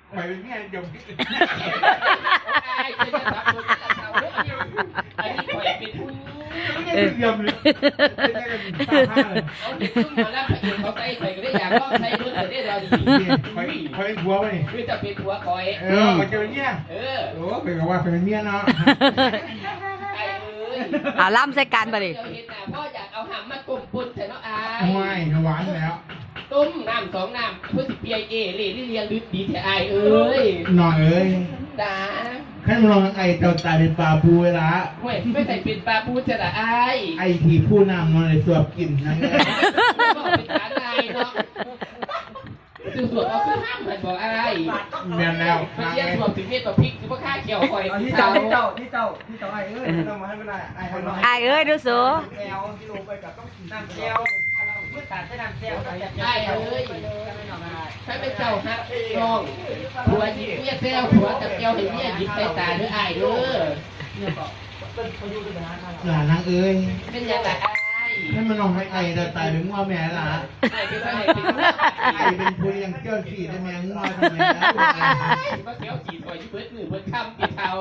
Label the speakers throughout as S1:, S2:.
S1: ไปเป็นเนี่ยยมที่
S2: ไอ้เจ้าสับตัวจะเท่าเรื่องไอ้ที่ปล่อยเป็นคุณ
S1: ไม่ได้ยมเลยเป็นแค่กันตาผ้าเลย
S2: เอาเด็กขึ้นมาแล้วพระเอกเขาใส่ใส่ก็ได้อยากลองใส่รุ่นแต่ได้เราดี
S1: ไปเป็นผัวไปนี่
S2: คือจะเป็นหัวคอย
S1: ไปเจอเนี่ย โอ้เป็นกับว่าเป็นเนี่ยเนาะ
S2: ไอ้เอ้ย
S3: เอาล่ำใส่กันไปดิ
S2: เห็นหน้าพ่ออยากเอาหำมาตุ่มปุ่นแต่เนาะไอ้
S1: ไม่หวานแล้ว
S2: ต้มน้ำ2 น้ำเพื่อสิเปียเอเล่เรียนลึกดีแท้ไอ้เอ้ย
S1: หน่อยเอ้ย
S2: จ้า
S1: ขั้นมองไอ้เจ้าตายเป็นปลาปูเวลา
S2: ห่วยไม่ใส่เป็นปลาปูจะละไอ้
S1: ไอ้ที่ผู้นำนอนในสวบกินนั่นเอง
S2: บอกเป็นฐานไอ้เนาะคือสวดเอาขึ้นห้ามมันบอกไอ้
S1: เมียนแล้ว
S2: มัน
S1: นาง
S2: เยี่ย
S1: เอ้
S2: มสวดถึงเม็ดต่อพริกคือว่าค่าเขียวคอย
S4: ที่เจ้าไอ้เอ้ยต้องมาให้เวลาไอ้ทำไม
S3: ไอ้เอ้ยดูสู
S4: แก้วที่ลงไปกับต้องน้ำแก้วเมื่อตัดได้น้ำแก้ว
S2: ไอ้เอ้ยถ้าเป็นเจ้าฮักน้องผัวหยิบเมียแซวผัวจับแก้วเห็นเมียหยิบใส่ตาด้วยไอ้เด้อ
S1: หลานนางเอ้ย
S2: เป็นยังไงไอ้
S1: ให้มันลองให้ไอ้เจ้าตายเป็นง้อแม่ละ
S2: ไอ้เป็นไงเป็น
S1: ไอ้เป็นผู้ยังเจ้าขี่ได้แม่ง้อทำไมนะ
S2: ว่าเขียวขีดคอยเบิดมือเบิดคำปีเท้า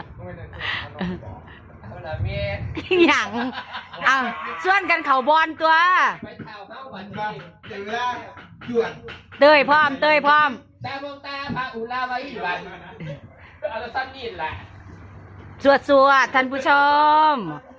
S2: เอาละเมีย
S3: หยังเอาส่วนกันเขาบอลตัว
S2: ไปเท้าเข้าวัน
S1: ครั
S2: นี้
S1: บเดี๋ยวเวลาจวด
S3: เต้ยพร้อมเต้ยพร้อม
S2: ตามองตาพระอุลาไว้วันเอาละสั้นนี่แหละ
S3: สวดท่านผู้ชม